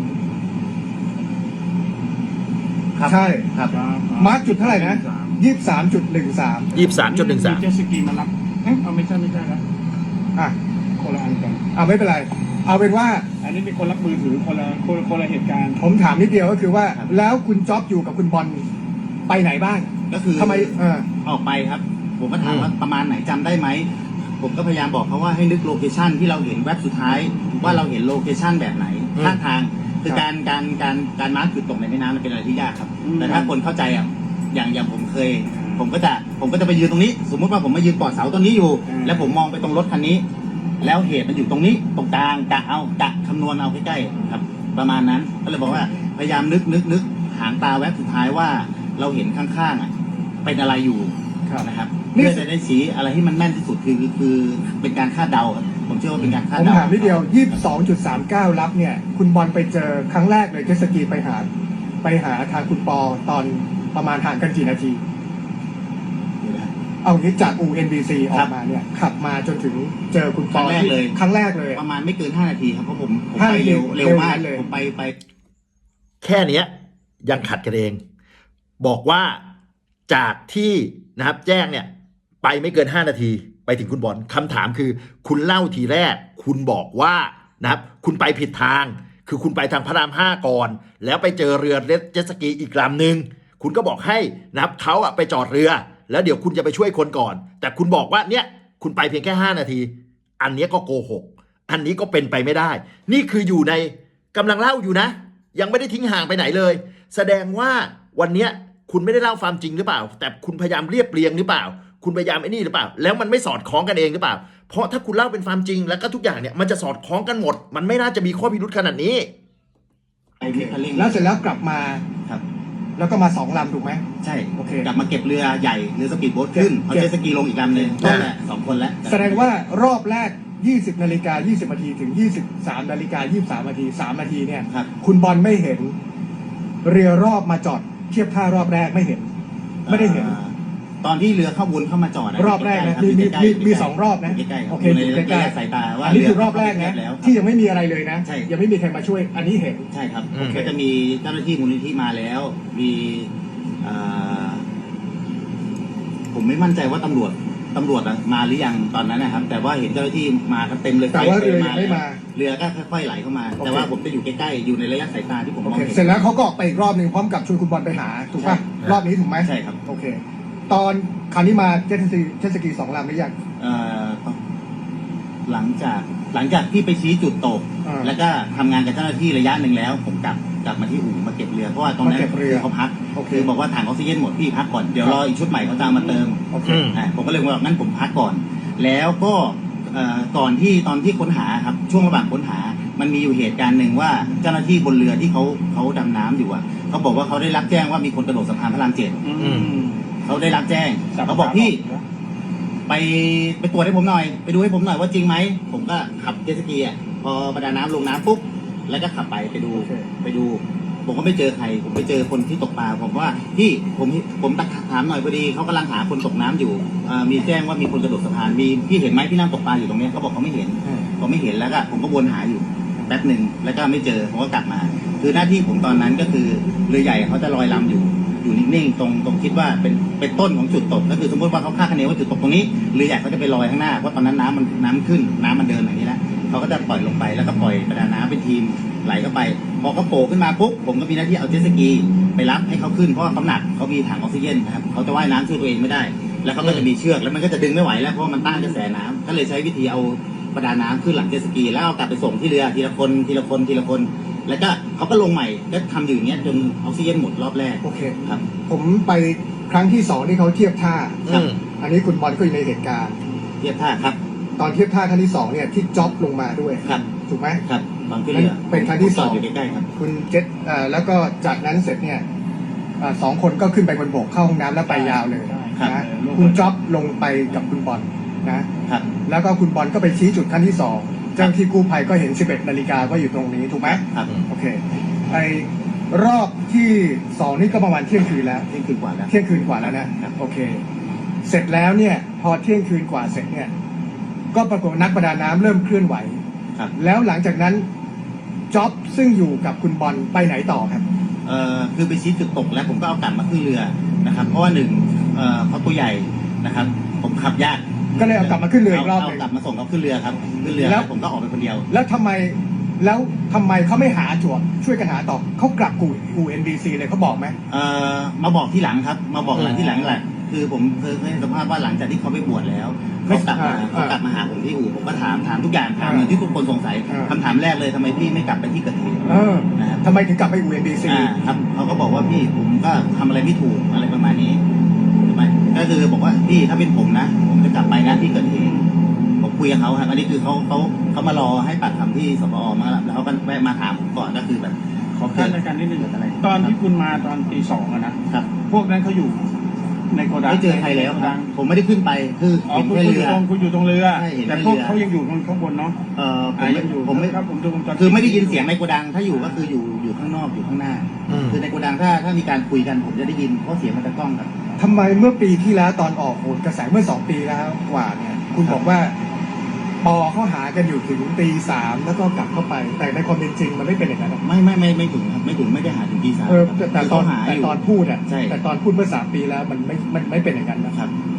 S3: ครับ
S2: ใช่
S3: ครับ
S2: มาร์กจุดเท่าไหร่นะยี่สิบสามจุดหนึ่งสาม
S1: ยี่สิบสามจุดหนึ่งสาม
S4: เจตสกีมารับเอ๊ะเอาไม่ใช่ไม่ใช่ครับ
S2: อ่ะ
S4: คนละอันกัน
S2: เอาไม่เป็นไร เอาเป็นว่า
S4: อันนี้เป็นคนรับมือถือคนละคนละคนละเหตุการณ์
S2: ผมถามนิดเดียวก็คือว่า
S3: ครับ
S2: แล้วคุณจ๊อบอยู่กับคุณบอลไปไหนบ้าง
S3: ก็คือ
S2: ทำไมเออ
S3: ออกไปครับ ผมก็ถามว่าประมาณไหนจำได้ไหม ผมก็พยายามบอกเขาว่าให้นึกโลเคชันที่เราเห็นแว็บสุดท้าย ว่าเราเห็นโลเคชันแบบไหน
S1: อืม
S3: ข้างทาง คือ
S2: ครับ
S3: การการการการมาร์คจุดตกในแม่น้ำมันเป็นอะไรที่ยากครับ
S4: อืม
S3: แต่ถ้าคนเข้าใจอ่ะอย่างอย่างผมเคย ผมก็จะผมก็จะไปยืนตรงนี้ สมมุติว่าผมมายืนกอดเสาต้นนี้อยู่
S4: อืม
S3: แล้วผมมองไปตรงรถคันนี้ แล้วเหตุมันอยู่ตรงนี้ตรงกลางกะเอากะคำนวณเอาใกล้ๆครับ ประมาณนั้นก็เลยบอกว่าพยายามนึกนึกนึกหางตาแว็บสุดท้ายว่าเราเห็นข้างๆอ่ะเป็นอะไรอยู่
S2: ครับ
S3: นะครับ
S2: นี่
S3: เพื่อจะได้ชี้อะไรที่มันแม่นที่สุดคือคือคือเป็นการคาดเดาครับผมเชื่อว่าเป็นการคาด
S2: ผม
S3: เดา
S2: ถามนิดเดียวยี่สิบสองจุดสามเก้ารับเนี่ย คุณบอลไปเจอครั้งแรกเลยเจตสกีไปหา ไปหาทางคุณปอตอนประมาณห่างกันกี่นาที เอางี้จากอู่ เอ็น บี ซี ออกมาเนี่ยขับมาจนถึงเจอคุณป
S3: ครั้
S2: อง
S3: แรกเลย
S2: ครั้งแรกเลย
S3: ประมาณไม่เกินห้านาทีครับเพราะผมผม
S2: ห้า
S3: ไป
S2: นาที
S3: เร็วเร็วมาก
S2: เร็วนั้นเลย
S3: ผมไปไป
S1: แค่เนี้ยยังขัดกันเอง บอกว่าจากที่นะครับแจ้งเนี่ยไปไม่เกินห้านาทีไปถึงคุณบอลคำถามคือ คุณเล่าทีแรก คุณบอกว่านะครับคุณไปผิดทาง คือคุณไปทางพระรามห้าก่อน แล้วไปเจอเรือเจ็ตสกีอีกลำหนึ่งคุณก็บอกให้นะครับเขาอะไปจอดเรือ แล้วเดี๋ยวคุณจะไปช่วยคนก่อน แต่คุณบอกว่าเนี่ยคุณไปเพียงแค่ห้านาที อันนี้ก็โกหก อันนี้ก็เป็นไปไม่ได้ นี่คืออยู่ในกำลังเล่าอยู่นะ ยังไม่ได้ทิ้งห่างไปไหนเลย แสดงว่าวันเนี้ยคุณไม่ได้เล่าความจริงหรือเปล่า แต่คุณพยายามเรียบเรียงหรือเปล่า คุณพยายามไอ้นี่หรือเปล่า แล้วมันไม่สอดคล้องกันเองหรือเปล่า เพราะถ้าคุณเล่าเป็นความจริงแล้วก็ทุกอย่างเนี่ยมันจะสอดคล้องกันหมด มันไม่น่าจะมีข้อพิรุธขนาดนี้
S3: ไปที่คันเร่ง
S2: แล้วเสร็จแล้วกลับมา
S3: ครับ
S2: แล้วก็มาสองลำถูกไหม
S3: ใช่
S2: โอเค
S3: กลับมาเก็บเรือใหญ่เรือสปีดโบ๊ทขึ้นเอา
S2: เก็บ
S3: เจ็ตสกีลงอีกลำหนึ่ง
S1: อ่า
S3: นั่นแหละสองคนแล้ว
S2: แสดงว่ารอบแรก ยี่สิบนาฬิกายี่สิบนาทีถึง ยี่สิบสามนาฬิกายี่สิบสามนาทีสามนาทีเนี่ย
S3: ครับ
S2: คุณบอลไม่เห็น เรือรอบมาจอดเทียบท่ารอบแรกไม่เห็น ไม่ได้เห็น
S3: อ่าตอนที่เรือเข้าวนเข้ามาจอดนะ
S2: รอบแรกนะ
S3: ใกล้
S2: มี
S3: ๆครับ
S2: มี
S3: ยู่
S2: มี
S3: ใกล้ๆ
S2: สองรอบนะ
S3: ใกล้ๆครับ
S2: โอเค
S3: อยู่ใน
S2: อยู่
S3: ระ
S2: ใกล้
S3: ยะ
S2: ๆ
S3: สายตาว่า
S2: อันนี้คือรอบแรก
S3: เ
S2: นะ
S3: แล้วครับ
S2: ที่ยังไม่มีอะไรเลยนะ
S3: ใช่
S2: ยังไม่มีใครมาช่วย อันนี้เห็น
S3: ใช่ครับ
S1: อืม
S3: ก็จะมีเจ้าหน้าที่มูลนิธิมาแล้ว มีอ่าผมไม่มั่นใจว่าตำรวจตำรวจอะมาหรือยังตอนนั้นนะครับ แต่ว่าเห็นเจ้าหน้าที่มากันเต็มเลย
S2: แต่ว่า
S3: ฟ
S2: เรือยังไม่มา
S3: เรือก็ค่อยๆไหลเข้ามา
S2: โอเค
S3: แต่ว่าผมจะอยู่ใกล้ๆอยู่ในระยะสายตาที่ผมม
S2: โอ
S3: อง
S2: เค
S3: เห็น
S2: เสร็จแล้วเขาก็ออกไปอีกรอบหนึ่งพร้อมกับชวนคุณบอลไปหาถูกป่ะ
S3: ใช่
S2: รอบนี้ถูกไหม
S3: ใช่ครับ
S2: โอเค ตอนคราวนี้มาเจ็ตสกีเจ็ตสกีสองลำหรือยัง
S3: เอ่อหลังจากหลังจากที่ไปชี้จุดตก
S2: อ่า
S3: แล้วก็ทำงานกับเจ้าหน้าที่ระยะหนึ่งแล้ว ผมกลับกลับมาที่อู่มาเก็บเรือเพราะว่าตรงนั้น
S2: มาเก็บเรือ
S3: เขาพัก
S2: โอเค
S3: คือบอกว่าถังออกซิเจนหมดพี่พักก่อนเดี๋ยวรออีกชุดใหม่เขาจะเอามาเติม
S2: โอเค
S1: อืม
S3: อ่าผมก็เลยบอกงั้นผมพักก่อน แล้วก็เอ่อก่อนที่ตอนที่ค้นหาครับช่วงระหว่างค้นหา มันมีอยู่เหตุการณ์หนึ่งว่าเจ้าหน้าที่บนเรือที่เขาเขาดำน้ำอยู่อ่ะเขาบอกว่าเขาได้รับแจ้งว่ามีคนกระโดดสะพานพระรามเจ็ด
S4: อืม
S3: เขาได้รับแจ้งเขาบอกพี่ ไปไปตรวจให้ผมหน่อย ไปดูให้ผมหน่อยว่าจริงไหม ผมก็ขับเจ็ตสกีอ่ะพอประดาน้ำลงน้ำปุ๊บแล้วก็ขับไปไปดู
S2: โอเค
S3: ไปดู ผมก็ไม่เจอใคร ผมไปเจอคนที่ตกปลาผมว่าพี่ผมผมตักถามหน่อยพอดีเขากำลังหาคนตกน้ำอยู่อ่ามีแจ้งว่ามีคนกระโดดสะพานมีพี่เห็นไหมพี่นั่งตกปลาอยู่ตรงเนี้ยเขาบอกเขาไม่เห็น
S2: อืม
S3: ผมไม่เห็นแล้วก็ผมก็วนหาอยู่แป๊บหนึ่งแล้วก็ไม่เจอผมก็กลับมา คือหน้าที่ผมตอนนั้นก็คือเรือใหญ่เขาจะลอยลำอยู่อยู่นิ่งๆตรงตรงคิดว่าเป็นเป็นต้นของจุดตกก็คือสมมติว่าเขาคาดคะเนว่าจุดตกตรงนี้เรือใหญ่เขาจะไปลอยข้างหน้าเพราะตอนนั้นน้ำมันน้ำขึ้นน้ำมันเดินอย่างนี้แล้วเขาก็จะปล่อยลงไปแล้วก็ปล่อยประดาน้ำเป็นทีมไหลเข้าไปพอเขาโผล่ขึ้นมาปุ๊บผมก็มีหน้าที่เอาเจ็ตสกีไปรับให้เขาขึ้นเพราะว่าเขาหนักเขามีถังออกซิเจนนะครับเขาจะว่ายน้ำช่วยตัวเองไม่ได้ แล้วเขาก็จะมีเชือกแล้วมันก็จะดึงไม่ไหวแล้วเพราะว่ามันต้านกระแสน้ำก็เลยใช้วิธีเอาประดาน้ำขึ้นหลังเจ็ตสกีแล้วเอากลับไปส่งที่เรือทีละคนทีละคนทีละคน แล้วก็เขาก็ลงใหม่ก็ทำอยู่อย่างเงี้ยจนออกซิเจนหมดรอบแรก
S2: โอเค
S3: ครับ
S2: ผมไปครั้งที่สองที่เขาเทียบท่า
S1: อืม
S2: อันนี้คุณบอลก็อยู่ในเหตุการณ์
S3: เทียบท่าครับ
S2: ตอนเทียบท่าครั้งที่สองเนี่ยที่จ็อบลงมาด้วย
S3: ครับ
S2: ถูกไหม
S3: ครับตอนขึ้นเรือ
S2: เป็นครั้งที่สอง
S3: ผมจดอยู่ใกล้ๆครับ
S2: คุณเจ็ตเอ่อแล้วก็จากนั้นเสร็จเนี่ยเอ่อสองคนก็ขึ้นไปบนบกเข้าห้องน้ำแล้วไปยาวเลย
S3: ครับ
S2: นะคุณจ็อบลงไปกับคุณบอลนะครับ แล้วก็คุณบอลก็ไปชี้จุดครั้งที่สองเจ้าหน้าที่กู้ภัยก็เห็นสิบเอ็ดนาฬิกาว่าอยู่ตรงนี้ถูกไหม
S3: ครับ
S2: โอเคไอรอบที่สองนี่ก็ประมาณเที่ยงคืนแล้ว
S3: เที่ยงคืนกว่าแล้ว
S2: เที่ยงคืนกว่าแล้วนะโอเค เสร็จแล้วเนี่ยพอเที่ยงคืนกว่าเสร็จเนี่ยก็ปรากฏว่านักประดาน้ำเริ่มเคลื่อนไหว
S3: ครับ
S2: แล้วหลังจากนั้นจ็อบซึ่งอยู่กับคุณบอลไปไหนต่อครับ
S3: เอ่อคือไปชี้จุดตกแล้วผมก็เอากลับมาขึ้นเรือนะครับ เพราะว่าหนึ่งเอ่อเขาตัวใหญ่นะครับ ผมขับยาก
S2: ก็เลยเอากลับมาขึ้นเรืออีกรอบหนึ่ง
S3: เากลับมาส่งเขาขึ้นเรือครับขึ้นเรือ
S2: แล้ว
S3: ผมก็ออกไปคนเดียว
S2: แล้วทำไมแล้วทำไมเขาไม่หาจวบช่วยกันหาต่อเขากลับกูอูเอ็นบีซีเลยเขาบอกไหม
S3: เอ่อมาบอกที่หลังครับ มาบอกหลังที่หลังแหละคือผมเคยให้สัมภาษณ์ว่าหลังจากที่เขาไปบวชแล้วเขากลับมาเขากลับมาหาผมที่อู่ผมก็ถามถามทุกอย่างถามเหมือนที่ทุกคนสงสัยคำถามแรกเลยทำไมพี่ไม่กลับไปที่เกิดเหตุ
S2: เออ
S3: นะครับ
S2: ทำไมถึงกลับไปอูเอ็นบีซี
S3: อ่าครับเขาก็บอกว่าพี่ผมก็ทำอะไรไม่ถูกอะไรประมาณนี้ใช่ไหมก็คือบอกว่าพี่ถ้าเป็นผมนะ ผมจะกลับไปนะที่เกิดเหตุผมคุยกับเขาครับอันนี้คือเขาเขาเขามารอให้ปากคำที่สปอมาแล้วแล้วเขาก็แวะมาถามผมก่อนก็คือแบบ
S4: ขอขั้นในการนิดนึง
S3: เกิดอะไร
S4: ตอนที่คุณมาตอนตีสองอะนะครับ พวกนั้นเขาอยู่ในโกดัง
S3: ไม่เจอใครแล้วครับผมไม่ได้ขึ้นไปคือ
S4: อ๋อ
S3: เห็น
S4: คุณ
S3: แค่
S4: คุณอ
S3: เรื
S4: ยู่
S3: อ
S4: ตรงคุณอยู่ตรงเรือ
S3: ใช่เห็น
S4: แต่
S3: แค่
S4: พวก
S3: เรือ
S4: เขายังอยู่ข้างบนเนาะ
S3: เอ่อผม
S4: อ่า
S3: ไม่
S4: ยังอยู่
S3: ผมไม่
S4: ครับผมดูวงจรปิ
S3: คือไม่ได้ยินเสียงในโกดังถ้าอยู่ก็คืออยู่อยู่ข้างนอกอยู่ข้างหน้า
S1: อืม
S3: คือในโกดังถ้าถ้ามีการคุยกันผมจะได้ยินเพราะเสียงมันจะกล้องกัน
S2: ทำไมเมื่อปีที่แล้วตอนออกโหนกระแสเมื่อสองปีแล้วกว่าเนี่ยคุณบอกว่าปอเขาหากันอยู่ถึงตีสามแล้วก็กลับเข้าไป แต่ในความเป็นจริงมันไม่เป็นอย่างนั้นหรอก
S3: ไม่ไม่ไม่ไม่ถึงครับไม่ถึงไม่ได้หาถึงตีสาม
S2: เออ
S3: ครับ
S2: แต่แต่
S3: คือ
S2: ตอน
S3: เขาหา
S2: แต่
S3: อยู่
S2: ตอนพูดอ่ะ
S3: ใช่
S2: แต่ตอนพูดเมื่อสามปีแล้วมันไม่มันไม่เป็นอย่างนั้นนะ
S3: ครับ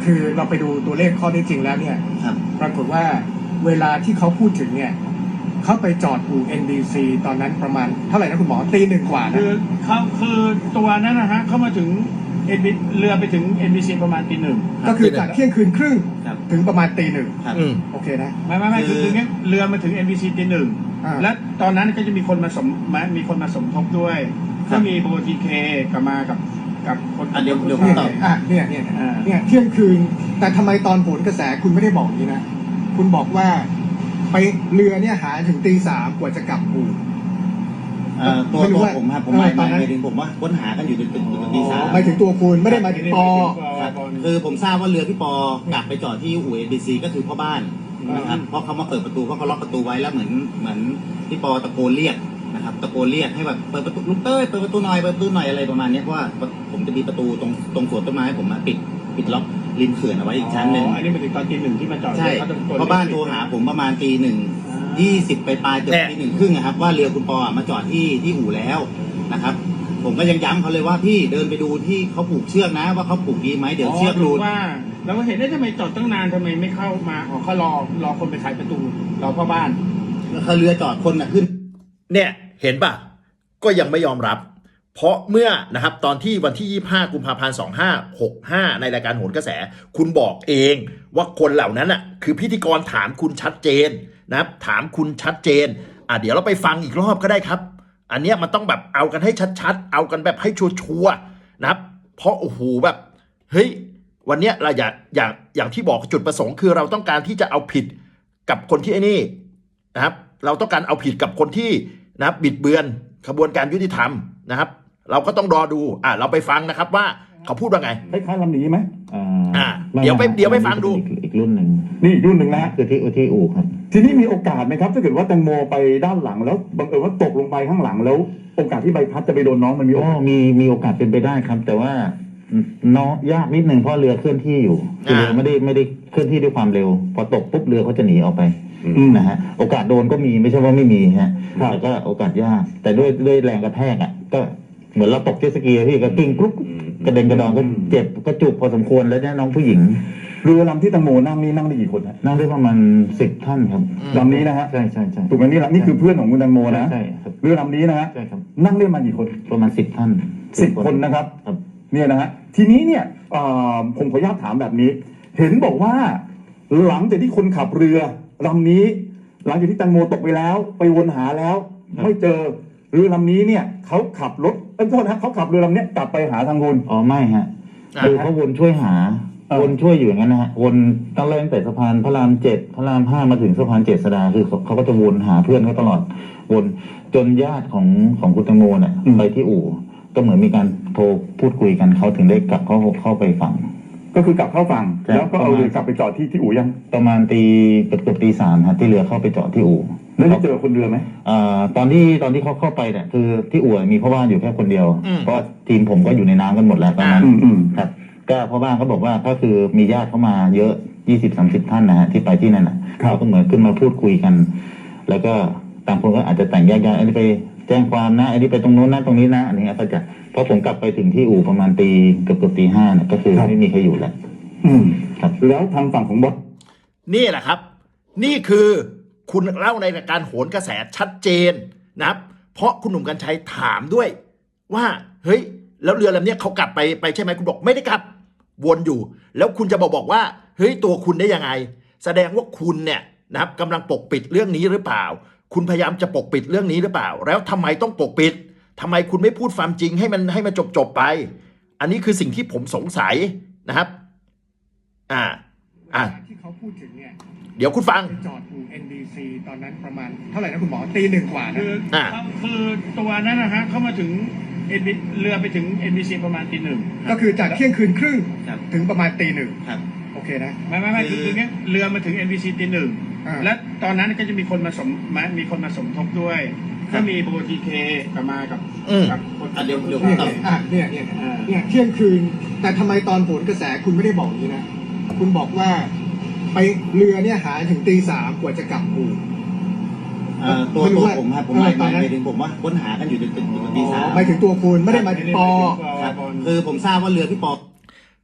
S2: คือเราไปดูตัวเลขข้อเท็จจริงแล้วเนี่ย
S3: ครับ
S2: ปรากฏว่าเวลาที่เขาพูดถึงเนี่ยเขาไปจอดอู่ เอ็น บี ซี ตอนนั้นประมาณเท่าไหร่นะคุณหมอตีหนึ่งกว่านะ
S4: คือเขาคือตัวนั้นนะฮะเข้ามาถึงเอ็นบีเรือไปถึง เอ็น บี ซี ประมาณตีหนึ่ง
S2: ก็คือจากเที่ยงคืนครึ่ง
S3: ครับ
S2: ถึงประมาณตีหนึ่ง
S3: ครับ
S1: อืม
S2: โอเคนะ
S4: ไม่ไม่ไม่คือคือเนี้ยเรือมาถึง เอ็น บี ซี ตีหนึ่ง
S2: อ่า
S4: และตอนนั้นก็จะมีคนมาสมมามีคนมาสมทบด้วย
S3: ครั
S4: ก็
S3: บ
S4: มีโบทีเคกับมากับกับคน
S3: อ่ะเดี๋ยวเดี๋ยว
S2: เนี่ย
S3: ตอบ
S2: อ่ะเนี่ยเนี่ย
S4: อ่า
S2: เนี่ยเที่ยงคืน แต่ทำไมตอนโหนกระแสคุณไม่ได้บอกอย่างนี้นะ คุณบอกว่าไปเรือเนี่ยหาถึงตีสามกว่าจะกลับอู่
S3: เอ่อตัว
S2: ไม่รู้
S3: ตัว
S2: ว่า
S3: ผมครับผมหมาย
S2: เออตอนนั้น
S3: หมายถึงผมว่าค้นหากันอยู่จนถึงตีสาม
S2: หมายถึงตัวคุณไม่ได้หมายถึงปอ
S3: ครับคือผมทราบว่าเรือพี่ปอกลับไปจอดที่อู่เอ็นบีซีก็คือพ่อบ้านนะครับเพราะเขามาเปิดประตูเพราะเขาล็อกประตูไว้แล้วเหมือนเหมือนพี่ปอตะโกนเรียกนะครับตะโกนเรียกให้แบบเปิดประตูลุงเต้ยเปิดประตูหน่อยเปิดประตูหน่อยอะไรประมาณเนี้ยเพราะว่าผมจะมีประตูตรงตรงสวนต้นไม้ผมมาปิดปิดล็อกริมเขื่อนเอาไว้อีกชั้นหนึ่ง
S4: อ๋ออันนี้มาถึงตอนตีหนึ่งที่มาจอด
S3: ใช่
S4: ขตะโก
S3: เพราะบ้านโทรหาผมประมาณตีหนึ่งยี่สิบไปปลายเกือบตีหนึ่งครึ่งอะครับว่าเรือคุณปอมาจอดที่ที่อู่แล้วนะครับ ผมก็ยังย้ำเขาเลยว่าพี่เดินไปดูที่เขาผูกเชือกนะ ว่าเขาผูกดีไหมเดี๋ยวเชือกหลุด
S4: ว่าเราก็เห็นได้ทำไมจอดตั้งนานทำไมไม่เข้ามาอ๋อเขารอรอคนไปขายประตูรอพ่อบ้าน
S3: เขาเรือจอดคนน่ะขึ้น
S1: เนี่ยเห็นป่ะก็ยังไม่ยอมรับ เพราะเมื่อนะครับตอนที่วันที่ยี่สิบห้ากุมภาพันธ์สองพันห้าร้อยหกสิบห้าในรายการโหนกระแส คุณบอกเองว่าคนเหล่านั้นอ่ะคือพิธีกรถามคุณชัดเจนนะครับถามคุณชัดเจนอ่ะเดี๋ยวเราไปฟังอีกรอบก็ได้ครับ อันเนี้ยมันต้องแบบเอากันให้ชัดๆเอากันแบบให้ชัวร์ๆนะครับเพราะโอ้โหแบบเฮ้ยวันเนี้ยเราอยากอย่างอย่างที่บอกจุดประสงค์คือเราต้องการที่จะเอาผิดกับคนที่ไอ้นี่นะครับเราต้องการเอาผิดกับคนที่นะครับบิดเบือนขบวนการยุติธรรมนะครับ เราก็ต้องรอดูอ่ะเราไปฟังนะครับว่าเขาพูดว่าไง
S5: คล้ายๆลำนี้ไหม
S6: อ่
S1: อ่า
S6: าม่
S1: เดี๋ยวไป
S6: ม่
S1: เดี๋ยวไปฟังดู
S6: อีกอีกรุ่นหนึ่ง
S5: นี่อีกรุ่นหนึ่งนะฮะ
S6: คือที่ที่อู่ครับ
S5: ทีนี้มีโอกาสไหมครับ ถ้าเกิดว่าแตงโมไปด้านหลังแล้วบังเอิญว่าตกลงไปข้างหลังแล้ว โอกาสที่ใบพัดจะไปโดนน้องมันมีโอ
S6: ก็
S5: กาส
S6: มีมีโอกาสเป็นไปได้ครับ แต่ว่าเนาะยากนิดนึงเพราะเรือเคลื่อนที่อยู่คือเรือ
S1: อ่า
S6: ไม่ได้ไม่ได้เคลื่อนที่ด้วยความเร็ว พอตกปุ๊บเรือเขาจะหนีออกไป
S5: อืม
S6: นะฮะโอกาสโดนก็มีไม่ใช่ว่าไม่มีฮะ
S5: ครับ
S6: แต่ก็โอกาสยาก แต่ด้วยด้วยแรงกระแทกอ่ะก็เหมือนเราตกเจ็ตสกีอะพี่ก็กิ้งกรุ๊กกระเด็นกระดอนก็เจ็บก็จุกพอสมควรแล้วเนี่ยน้องผู้หญิง
S5: เรือลำที่แตงโมนั่งนี่นั่งได้กี่คนฮะ
S6: นั่งได้ประมาณสิบท่านครับ
S5: ลำนี้นะฮะ
S6: ใช่ใช่ใช่
S5: ถูกไหมนี่ละนี่คือเพื่อนของคุณแตงโมนะ
S6: ใช่ครับ
S5: เรือลำนี้นะฮะ
S6: ใช่ครับ
S5: นั่งได้มากี่คน
S6: ประมาณสิบท่าน
S5: สิบคนนะครับ
S6: ครับ
S5: เนี่ยนะฮะทีนี้เนี่ยเอ่อผมขออนุญาตถามแบบนี้ เห็นบอกว่า หลังจากที่คนขับเรือลำนี้ หลังจากที่แตงโมตกไปแล้ว ไปวนหาแล้ว ไม่เจอเรือลำนี้เนี่ยเขาขับรถเอ้ยโทษนะเขาขับเรือลำเนี้ยกลับไปหาทางคุณ
S6: อ๋อไม่ฮะ
S1: อ่า
S6: คือเขาวนช่วยหา
S5: เออ
S6: วนช่วยอยู่อย่างนั้นนะฮะวนตั้งแต่ตั้งแต่สะพานพระรามเจ็ดพระรามห้ามาถึงสะพานเจ็ดสดาคือเขาเขาก็จะวนหาเพื่อนเขาตลอดวนจนญาติของของคุณแตงโมเนี่ยไปที่อู่ ก็เหมือนมีการโทรพูดคุยกันเขาถึงได้กลับเข้าเข้าไปฝั่ง
S5: ก็คือกลับเข้าฝั่ง
S6: ใช่
S5: แล้วก็เอาเรือกลับไปจอดที่ที่อู่ยัง
S6: ประมาณตีเกือบเกือบตีสามฮะที่เรือเข้าไปจอดที่อู่
S5: แล้วได้เจอคนเรือไหม
S6: อ่าตอนที่ตอนที่เขาเข้าไปเนี่ยคือที่อู่มีพ่อบ้านอยู่แค่คนเดียว
S1: อืม
S6: เพราะทีมผมก็อยู่ในน้ำกันหมดแล้วตอนนั้น
S5: อืมอืม
S6: ครับก็พ่อบ้านเขาบอกว่าก็คือมีญาติเข้ามาเยอะยี่สิบสามสิบท่านนะฮะที่ไปที่นั่นน่ะ
S5: ครับ
S6: เขาก็เหมือนขึ้นมาพูดคุยกัน แล้วก็ต่างคนก็อาจจะแต่งแยกย้ายอันนี้ไปแจ้งความนะอันนี้ไปตรงโน้นนะตรงนี้นะอันนี้ก็จะเพราะผมกลับไปถึงที่อู่ประมาณตีเกือบเกือบตีห้าเนี่ยก็คือไม่มีใครอยู่แล้ว
S5: อืม
S6: ครับ
S5: แล้วทางฝั่งของบอส
S1: นี่แหละครับ นี่คือคุณเล่าในรายการโหนกระแสชัดเจนนะครับ เพราะคุณหนุ่มกัญชัยถามด้วย ว่าเฮ้ยแล้วเรือลำเนี้ยเขากลับไปไปใช่ไหมคุณบอกไม่ได้กลับวนอยู่ แล้วคุณจะบอกบอกว่าเฮ้ยตัวคุณได้ยังไง แสดงว่าคุณเนี่ยนะครับกำลังปกปิดเรื่องนี้หรือเปล่า คุณพยายามจะปกปิดเรื่องนี้หรือเปล่า แล้วทำไมต้องปกปิดทำไมคุณไม่พูดความจริงให้มันให้มันจบจบๆไป อันนี้คือสิ่งที่ผมสงสัยนะครับ อ่า อ่า
S2: ที่เขาพูดถึงเนี่ย
S1: เดี๋ยวคุณฟัง
S2: ไปจอดอู่ เอ็น บี ซี ตอนนั้นประมาณเท่าไหร่นะคุณหมอตีหนึ่งกว่านะ
S4: คือ
S1: อ่า
S4: เขาคือตัวนั้นนะฮะเข้ามาถึง NB เรือไปถึง เอ็น บี ซี ประมาณตีหนึ่ง
S2: ก็คือจากเที่ยงคืนครึ่ง
S3: ครับ
S2: ถึงประมาณตีหนึ่ง
S3: ครับ
S2: โอเคนะ
S4: ไม่ไม่ไม่คือคือเนี้ยเรือมาถึง เอ็น บี ซี ตีหนึ่ง
S2: อ่า
S4: และตอนนั้นก็จะมีคนมาสมมามีคนมาสมทบด้วย
S3: ครั
S4: ก็
S3: บ
S4: มีโบทีเคกับมากับ
S1: อืม
S4: กับคน
S3: อ่ะเดี๋ยวเดี๋ยว
S2: เนี่ย
S3: ต่อ
S2: อ่ะเนี่ยเนี่ย
S4: อ่า
S2: เนี่ยเที่ยงคืน แต่ทำไมตอนโหนกระแสคุณไม่ได้บอกอย่างนี้นะ คุณบอกว่า ไปเรือเนี่ยหาถึงตีสามกว่าจะกลับอู่
S3: เอ่อตัว
S2: ไม่รู้
S3: ตัว
S2: ว่า
S3: ผมครับผมหมาย
S2: เออตอนนั้น
S3: หมายถึงผมว่าค้นหากันอยู่จนถึงตีสาม
S2: หมายถึงตัวคุณไม่ได้หมายถึงปอ
S3: ครับคือผมทราบว่าเรือพี่ปอ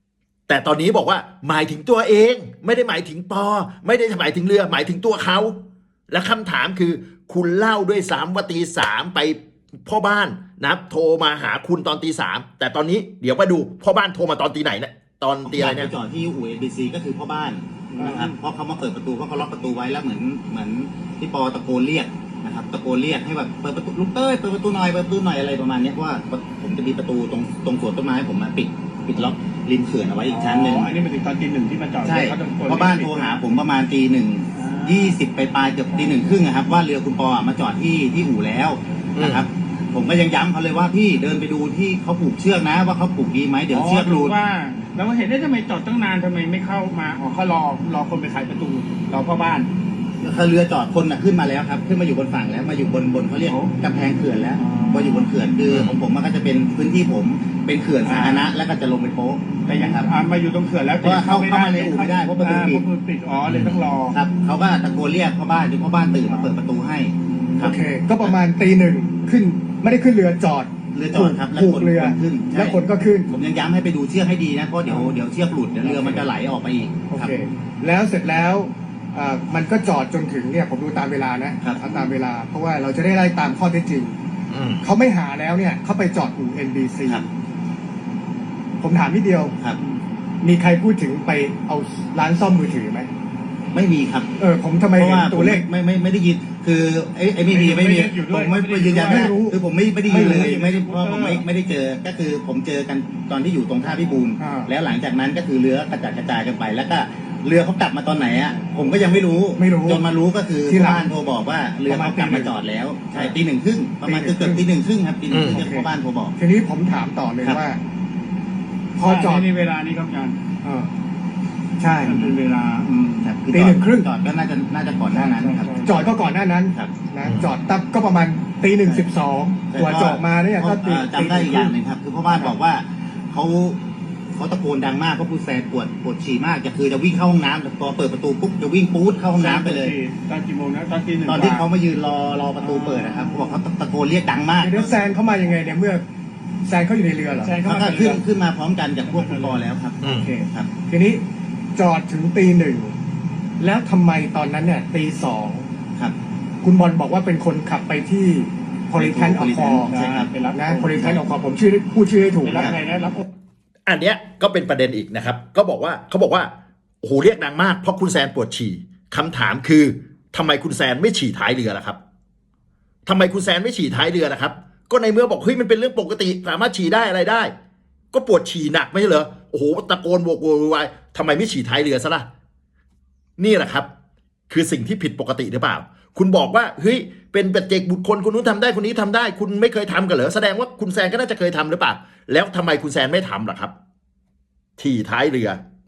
S1: แต่ตอนนี้บอกว่าหมายถึงตัวเองไม่ได้หมายถึงปอไม่ได้หมายถึงเรือหมายถึงตัวเขาและคำถามคือคุณเล่าด้วยซ้ำว่าตีสามไปพ่อบ้านนะโทรมาหาคุณตอนตีสามแต่ตอนนี้เดี๋ยวมาดูพ่อบ้านโทรมาตอนตีไหนเนี่ยตอนตีอะไรเนี่ย
S3: ผมจอดที่อู่เอ็นบีซีก็คือพ่อบ้านนะครับเพราะเขามาเปิดประตูเพราะเขาล็อกประตูไว้แล้วเหมือนเหมือนพี่ปอตะโกนเรียกนะครับตะโกนเรียกให้แบบเปิดประตูลุงเต้ยเปิดประตูหน่อยเปิดประตูหน่อยอะไรประมาณนี้เพราะว่าผมจะมีประตูตรงตรงสวนต้นไม้ผมมาปิดปิดล็อกริมเขื่อนเอาไว้อีกชั้นหนึ่ง
S4: อันนี้เป็นถึงตอนตีหนึ่งที่มาจอด
S3: ใช่
S4: เขาจะกด
S3: เพราะบ้านโทรหาผมประมาณตีหนึ่งยี่สิบไปปลายเกือบตีหนึ่งครึ่งนะครับว่าเรือคุณปอมาจอดที่ที่อู่แล้วนะครับผมก็ยังย้ำเขาเลยว่าพี่เดินไปดูที่เขาผูกเชือกนะว่าเขาผูกดีไหมเดี๋ยวเชือกหลุด
S4: ว่าแล้วเห็นได้ทำไมจอดตั้งนานทำไมไม่เข้ามาอ๋อเขารอรอคนไปขายประตูรอพ่อบ้าน
S3: คือเรือจอดคนน่ะขึ้นมาแล้วครับขึ้นมาอยู่บนฝั่งแล้วมาอยู่บนบนเขาเรียกกำแพงเขื่อนแล้ว
S4: อ๋อ
S3: มาอยู่บนเขื่อนคือของผมมันก็จะเป็นพื้นที่ผมเป็นเขื่อนสาธารณะแล้วก็จะลงไปโป๊ะ
S4: แต่ยัง
S3: ครับ
S4: อ่ามาอยู่ตรงเขื่อนแล้ว
S3: เพราะว่าเข้าเข้ามาในอู่ไม่ได้เพราะประตูปิด
S4: อ่าเพราะประตูปิดอ๋อเลยต้องรอ
S3: ครับเขาก็ตะโกนเรียกพ่อบ้านจนพ่อบ้านตื่นมาเปิดประตูให้ค
S2: โอ
S3: รับ
S2: เค ก็ประมาณตีหนึ่งขึ้นไม่ได้ขึ้นเรือจอด
S3: เรือจอดครับแล้ว
S2: ผูก
S3: คน
S2: เรือ
S3: คนขึ้นใช่
S2: แล้วคนก็ขึ้น
S3: ผมยังย้ำให้ไปดูเชือกให้ดีนะเพราะเดี๋ยวเดี๋ยวเชือกหลุดเดี๋ยวเรือมันจะไหลออกไปอีก
S2: โอ
S3: ครับ
S2: เค แล้วเสร็จแล้วอ่ามันก็จอดจนถึงเนี่ยผมดูตามเวลานะครับ เอาตามเวลา เพราะว่าเราจะได้ไล่ตามข้อเท็จจริง
S1: อืม
S2: เขาไม่หาแล้วเนี่ยเขาไปจอดอู่ เอ็น บี ซี
S3: ครับ
S2: ผมถามนิดเดียว
S3: ครับ
S2: มีใครพูดถึงไปเอาร้านซ่อมมือถือไหม
S3: ไม่มีครับ
S2: เออผมทำไม
S3: เพราะ
S2: เห็น
S3: ว่า
S2: ตัวเลข
S3: ไม่ไม่ไม่ได้ยินคือไอ้ไอ้ไม่มี
S4: ไม่
S3: ไม่มี
S4: ได้อยู่ด้
S3: ผ
S4: วย
S3: มไม่
S4: ไม่ได้
S3: ไม่ยืนยัน
S2: ไม่
S3: นะ
S2: รู้
S3: คือผมไม่ไม่ได้ยินเลย
S2: ไม่รู้
S3: ไม่ได้เพราะผมไม่ไม่ได้เจอก็คือผมเจอกันตอนที่อยู่ตรงท่าพิบูล
S2: อ่า
S3: แล้วหลังจากนั้นก็คือเรือกระจัดกระจายกันไป แล้วก็เรือเขากลับมาตอนไหนอ่ะผมก็ยังไม่รู้
S2: ไม่รู้
S3: จนมารู้ก็คือ
S2: ที่หลัง
S3: บ้านโทรบอกว่าเรือเขากลับมาจอดแล้วใช่
S2: อ่า
S3: ตีหนึ่งครึ่งประมาณ
S2: ตี
S3: เกือบ
S2: หนึ่ง
S3: เกือบตีหนึ่งครึ่งครับตีหนึ่งครึ่ง
S2: อืม
S3: ที่พ่อบ้านโทรบอก
S2: ทีนี้ผมถามต่อเลย
S3: ครับ
S2: ว่า พอจอด
S4: ในเวลานี้ครับอาจารย์
S2: เออใช่
S4: มันเป็นเวลาอืม
S3: ครับคือ
S2: ตี
S3: จอ
S2: หนึ่
S3: ด
S2: งครึ่ง
S3: จอดก็น่าจะน่าจะก่อนหน้านั้นครับ
S2: จอดก็ก่อนหน้านั้น
S3: ครับ
S2: นะจอดตับก็ประมาณตีหนึ่งสิบสองตัวจอดมาเนี่ยก็ตี
S3: เอ่อจำได้อีกอย่างหนึ่งครับ คือพ่อบ้านบอกว่าเขาเขาตะโกนดังมากเพราะผู้แซนปวดปวดฉี่มากจะคือจะวิ่งเข้าห้องน้ำแต่พอเปิดประตูปุ๊บจะวิ่งปู๊ดเข้าห้องน้ำไปเลย
S4: ตอนกี่โมงนะตอนตีหนึ่ง
S3: ตอนที่เขามายืนรอรอประตูเปิดนะครับเขาบอกเขาตะโกนเรียกดังมาก
S2: เดี๋ยวแซนเข้ามายังไงเนี่ยเมื่อแซนเขาอยู่ในเรือเหรอ
S4: ใช่เข้า
S3: เขา
S4: มา
S3: ก็ขึ้นขึ้นมาพร้อมกันกับพวกคุณปอแล้วครับ
S1: อืม
S2: โอเค
S3: ครับ
S2: ทีนี้จอดถึงตีหนึ่งแล้วทำไมตอนนั้นเนี่ยตีสอง
S3: ครับ
S2: คุณบอลบอกว่าเป็นคนขับไปที่พอลิแทนอคอ
S3: ใช่ครับ
S4: ไปรับ
S2: นะพอลิแทนอคอผมชื่อพูดชื่อให้ถูก
S4: ไปรับ
S2: นะ
S4: ใครนะรับ
S1: อันเนี้ยก็เป็นประเด็นอีกนะครับ ก็บอกว่าเขาบอกว่าโอ้โหเรียกดังมากเพราะคุณแซนปวดฉี่คำถามคือทำไมคุณแซนไม่ฉี่ท้ายเรือล่ะครับทำไมคุณแซนไม่ฉี่ท้ายเรือนะครับ ก็ในเมื่อบอกเฮ้ยมันเป็นเรื่องปกติสามารถฉี่ได้อะไรได้ ก็ปวดฉี่หนักไม่ใช่เหรอโอ้โหตะโกนโวกโวยวายทำไมไม่ฉี่ท้ายเรือซะล่ะนี่แหละครับ คือสิ่งที่ผิดปกติหรือเปล่า คุณบอกว่าเฮ้ยเป็นปัจเจกบุคคลคนนู้นทำได้คนนี้ทำได้ คุณไม่เคยทำกันเหรอแสดงว่าคุณแซนก็น่าจะเคยทำหรือเปล่าแล้วทำไมคุณแซนไม่ทำล่ะครับ ที่ท้ายเรือ